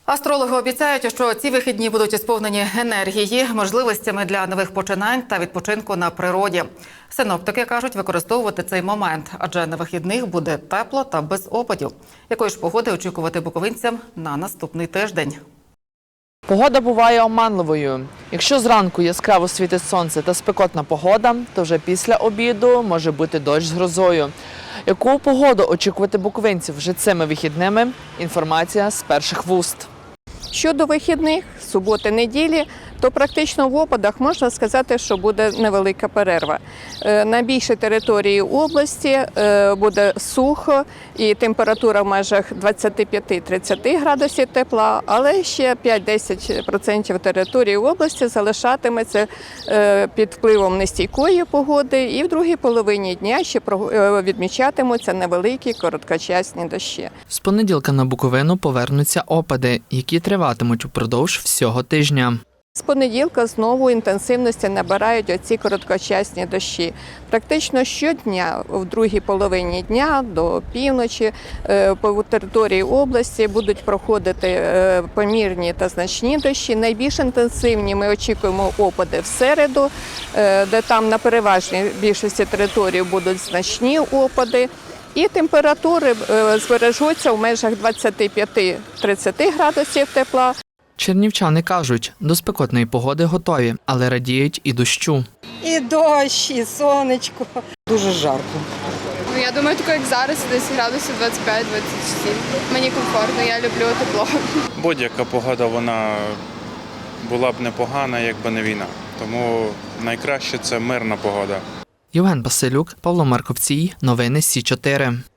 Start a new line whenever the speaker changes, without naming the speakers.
Астрологи обіцяють, що ці вихідні будуть сповнені енергії, можливостями для нових починань та відпочинку на природі. Синоптики кажуть використовувати цей момент, адже на вихідних буде тепло та без опадів. Якої ж погоди очікувати буковинцям на наступний тиждень?
Погода буває оманливою. Якщо зранку яскраво світить сонце та спекотна погода, то вже після обіду може бути дощ з грозою. Яку погоду очікувати буковинців вже цими вихідними? Інформація з перших вуст.
Щодо вихідних, суботи, неділі, то практично в опадах можна сказати, що буде невелика перерва. На більшій території області буде сухо і температура в межах 25-30 градусів тепла, але ще 5-10% території області залишатиметься під впливом нестійкої погоди, і в другій половині дня ще відмічатимуться невеликі короткочасні дощі.
З понеділка на Буковину повернуться опади, які триватимуть упродовж всього тижня.
З понеділка знову інтенсивності набирають оці короткочасні дощі. Практично щодня, в другій половині дня до півночі, по території області будуть проходити помірні та значні дощі. Найбільш інтенсивні ми очікуємо опади в середу, де там на переважній більшості території будуть значні опади. І температури збережуться в межах 25-30 градусів тепла.
Чернівчани кажуть, до спекотної погоди готові, але радіють і дощу.
І дощ, і сонечко. Дуже жарко.
Я думаю, таке, як зараз, десь градусів 25-27. Мені комфортно, я люблю тепло.
Будь-яка погода, вона була б непогана, якби не війна. Тому найкраще – це мирна погода.
Євген Басилюк, Павло Марковцій. Новини Сі 4.